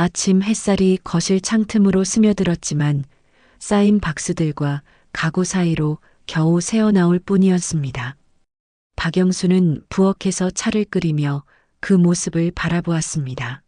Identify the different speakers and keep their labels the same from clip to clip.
Speaker 1: 아침 햇살이 거실 창틈으로 스며들었지만 쌓인 박스들과 가구 사이로 겨우 새어나올 뿐이었습니다. 박영수는 부엌에서 차를 끓이며 그 모습을 바라보았습니다.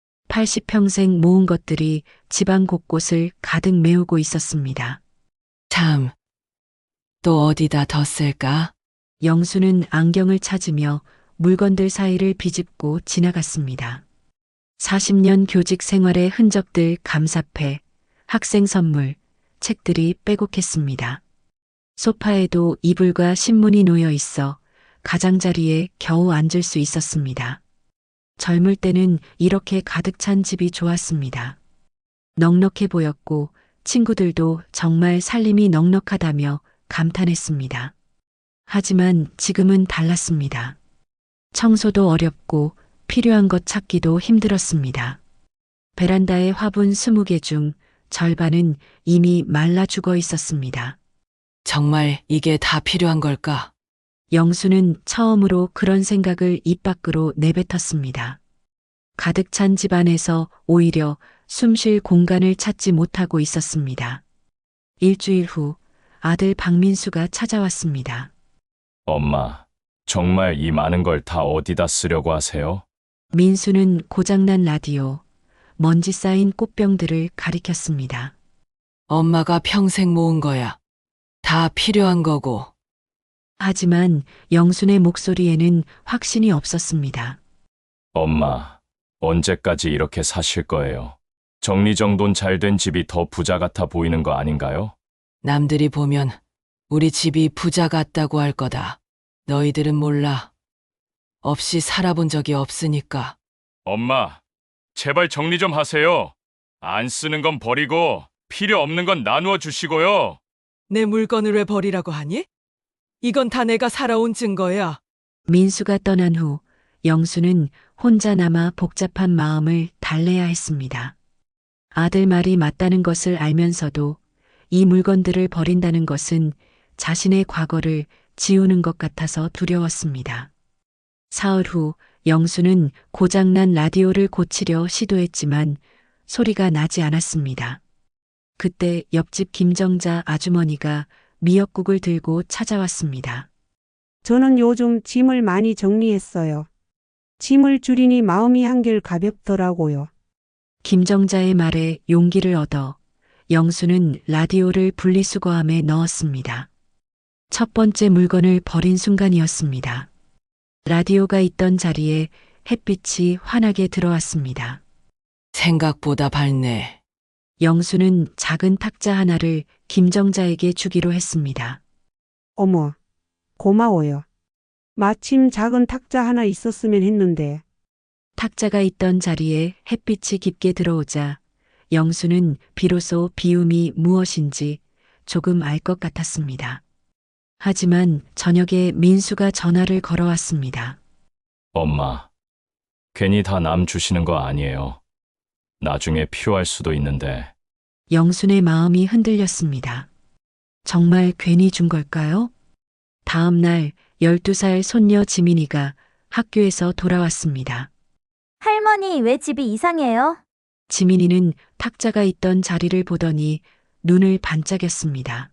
Speaker 1: 80평생 모은 것들이 집안 곳곳을 가득 메우고 있었습니다.
Speaker 2: 참, 또 어디다 뒀을까?
Speaker 1: 영수는 안경을 찾으며 물건들 사이를 비집고 지나갔습니다. 40년 교직 생활의 흔적들 감사패, 학생 선물, 책들이 빼곡했습니다. 소파에도 이불과 신문이 놓여 있어 가장자리에 겨우 앉을 수 있었습니다. 젊을 때는 이렇게 가득 찬 집이 좋았습니다. 넉넉해 보였고 친구들도 정말 살림이 넉넉하다며 감탄했습니다. 하지만 지금은 달랐습니다. 청소도 어렵고 필요한 것 찾기도 힘들었습니다. 베란다의 화분 20개 중 절반은 이미 말라 죽어 있었습니다.
Speaker 2: 정말 이게 다 필요한 걸까?
Speaker 1: 영수는 처음으로 그런 생각을 입 밖으로 내뱉었습니다. 가득 찬 집 안에서 오히려 숨 쉴 공간을 찾지 못하고 있었습니다. 일주일 후 아들 박민수가 찾아왔습니다.
Speaker 3: 엄마, 정말 이 많은 걸 다 어디다 쓰려고 하세요?
Speaker 1: 민수는 고장난 라디오, 먼지 쌓인 꽃병들을 가리켰습니다.
Speaker 2: 엄마가 평생 모은 거야. 다 필요한 거고.
Speaker 1: 하지만 영순의 목소리에는 확신이 없었습니다.
Speaker 3: 엄마, 언제까지 이렇게 사실 거예요? 정리정돈 잘 된 집이 더 부자 같아 보이는 거 아닌가요?
Speaker 2: 남들이 보면 우리 집이 부자 같다고 할 거다. 너희들은 몰라. 없이 살아본 적이 없으니까.
Speaker 3: 엄마, 제발 정리 좀 하세요. 안 쓰는 건 버리고 필요 없는 건 나누어 주시고요.
Speaker 2: 내 물건을 왜 버리라고 하니? 이건 다 내가 살아온 증거야.
Speaker 1: 민수가 떠난 후 영수는 혼자 남아 복잡한 마음을 달래야 했습니다. 아들 말이 맞다는 것을 알면서도 이 물건들을 버린다는 것은 자신의 과거를 지우는 것 같아서 두려웠습니다. 사흘 후 영수는 고장난 라디오를 고치려 시도했지만 소리가 나지 않았습니다. 그때 옆집 김정자 아주머니가 미역국을 들고 찾아왔습니다.
Speaker 4: 저는 요즘 짐을 많이 정리했어요. 짐을 줄이니 마음이 한결 가볍더라고요.
Speaker 1: 김정자의 말에 용기를 얻어 영수는 라디오를 분리수거함에 넣었습니다. 첫 번째 물건을 버린 순간이었습니다. 라디오가 있던 자리에 햇빛이 환하게 들어왔습니다.
Speaker 2: 생각보다 밝네.
Speaker 1: 영수는 작은 탁자 하나를 김정자에게 주기로 했습니다.
Speaker 4: 어머, 고마워요. 마침 작은 탁자 하나 있었으면 했는데.
Speaker 1: 탁자가 있던 자리에 햇빛이 깊게 들어오자 영수는 비로소 비움이 무엇인지 조금 알 것 같았습니다. 하지만 저녁에 민수가 전화를 걸어왔습니다.
Speaker 3: 엄마, 괜히 다 남 주시는 거 아니에요. 나중에 필요할 수도 있는데.
Speaker 1: 영순의 마음이 흔들렸습니다. 정말 괜히 준 걸까요? 다음 날 12살 손녀 지민이가 학교에서 돌아왔습니다.
Speaker 5: 할머니, 왜 집이 이상해요?
Speaker 1: 지민이는 탁자가 있던 자리를 보더니 눈을 반짝였습니다.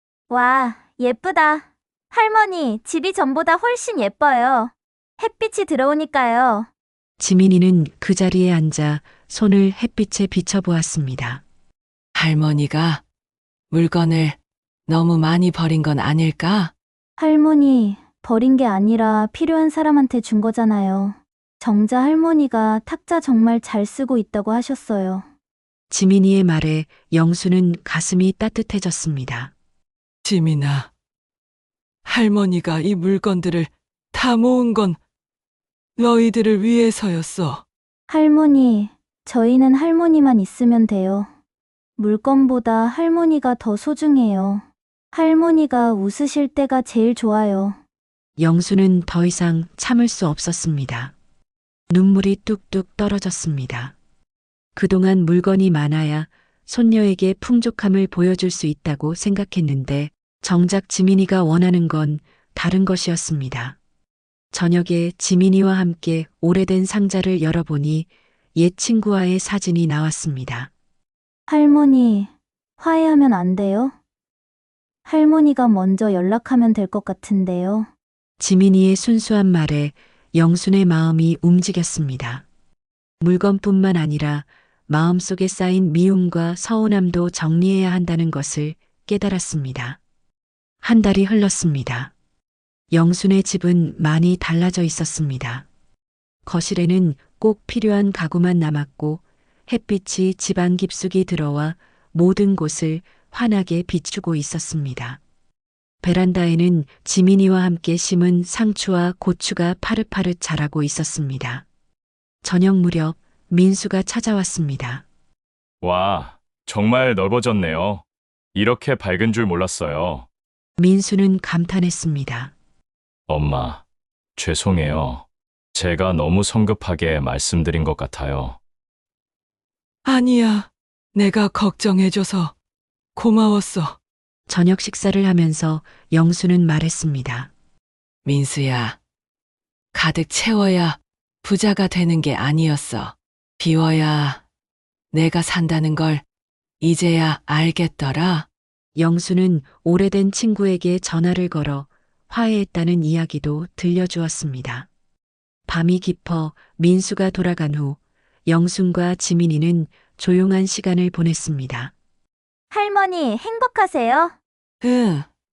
Speaker 5: 와, 예쁘다. 할머니, 집이 전보다 훨씬 예뻐요. 햇빛이 들어오니까요.
Speaker 1: 지민이는 그 자리에 앉아 손을 햇빛에 비춰보았습니다.
Speaker 2: 할머니가 물건을 너무 많이 버린 건 아닐까?
Speaker 5: 할머니, 버린 게 아니라 필요한 사람한테 준 거잖아요. 정자 할머니가 탁자 정말 잘 쓰고 있다고 하셨어요.
Speaker 1: 지민이의 말에 영수는 가슴이 따뜻해졌습니다.
Speaker 2: 지민아, 할머니가 이 물건들을 다 모은 건 너희들을 위해서였어.
Speaker 5: 할머니, 저희는 할머니만 있으면 돼요. 물건보다 할머니가 더 소중해요. 할머니가 웃으실 때가 제일 좋아요.
Speaker 1: 영수는 더 이상 참을 수 없었습니다. 눈물이 뚝뚝 떨어졌습니다. 그동안 물건이 많아야 손녀에게 풍족함을 보여줄 수 있다고 생각했는데 정작 지민이가 원하는 건 다른 것이었습니다. 저녁에 지민이와 함께 오래된 상자를 열어보니 옛 친구와의 사진이 나왔습니다.
Speaker 5: 할머니, 화해하면 안 돼요? 할머니가 먼저 연락하면 될 것 같은데요.
Speaker 1: 지민이의 순수한 말에 영순의 마음이 움직였습니다. 물건뿐만 아니라 마음속에 쌓인 미움과 서운함도 정리해야 한다는 것을 깨달았습니다. 한 달이 흘렀습니다. 영순의 집은 많이 달라져 있었습니다. 거실에는 꼭 필요한 가구만 남았고 햇빛이 집안 깊숙이 들어와 모든 곳을 환하게 비추고 있었습니다. 베란다에는 지민이와 함께 심은 상추와 고추가 파릇파릇 자라고 있었습니다. 저녁 무렵 민수가 찾아왔습니다.
Speaker 3: 와, 정말 넓어졌네요. 이렇게 밝은 줄 몰랐어요.
Speaker 1: 민수는 감탄했습니다.
Speaker 3: 엄마, 죄송해요. 제가 너무 성급하게 말씀드린 것 같아요.
Speaker 2: 아니야. 내가 걱정해줘서 고마웠어.
Speaker 1: 저녁 식사를 하면서 영수는 말했습니다.
Speaker 2: 민수야, 가득 채워야 부자가 되는 게 아니었어. 비워야 내가 산다는 걸 이제야 알겠더라.
Speaker 1: 영수는 오래된 친구에게 전화를 걸어 화해했다는 이야기도 들려주었습니다. 밤이 깊어 민수가 돌아간 후 영순과 지민이는 조용한 시간을 보냈습니다.
Speaker 5: 할머니, 행복하세요?
Speaker 2: 응,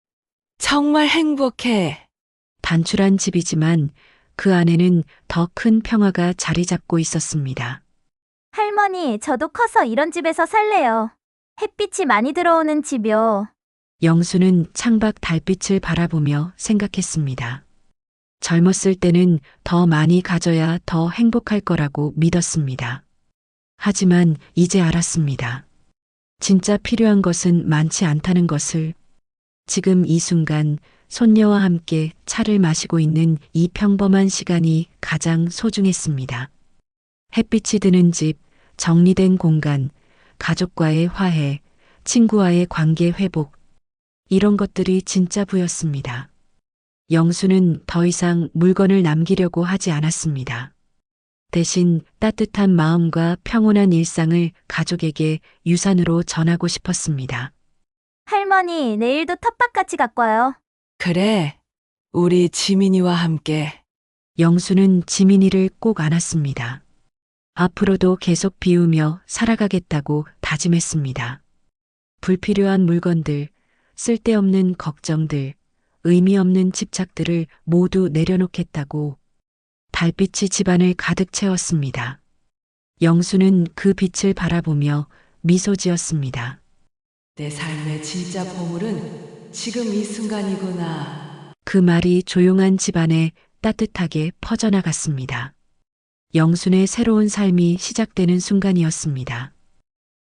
Speaker 2: 정말 행복해.
Speaker 1: 단출한 집이지만 그 안에는 더 큰 평화가 자리 잡고 있었습니다.
Speaker 5: 할머니, 저도 커서 이런 집에서 살래요. 햇빛이 많이 들어오는 집이요.
Speaker 1: 영수는 창밖 달빛을 바라보며 생각했습니다. 젊었을 때는 더 많이 가져야 더 행복할 거라고 믿었습니다. 하지만 이제 알았습니다. 진짜 필요한 것은 많지 않다는 것을. 지금 이 순간 손녀와 함께 차를 마시고 있는 이 평범한 시간이 가장 소중했습니다. 햇빛이 드는 집, 정리된 공간, 가족과의 화해, 친구와의 관계 회복. 이런 것들이 진짜 부였습니다. 영수는 더 이상 물건을 남기려고 하지 않았습니다. 대신 따뜻한 마음과 평온한 일상을 가족에게 유산으로 전하고 싶었습니다.
Speaker 5: 할머니, 내일도 텃밭 같이 갖고 와요.
Speaker 2: 그래, 우리 지민이와 함께.
Speaker 1: 영수는 지민이를 꼭 안았습니다. 앞으로도 계속 비우며 살아가겠다고 다짐했습니다. 불필요한 물건들, 쓸데없는 걱정들, 의미 없는 집착들을 모두 내려놓겠다고. 달빛이 집안을 가득 채웠습니다. 영수는 그 빛을 바라보며 미소 지었습니다.
Speaker 2: 내 삶의 진짜 보물은 지금 이 순간이구나.
Speaker 1: 그 말이 조용한 집안에 따뜻하게 퍼져나갔습니다. 영순의 새로운 삶이 시작되는 순간이었습니다.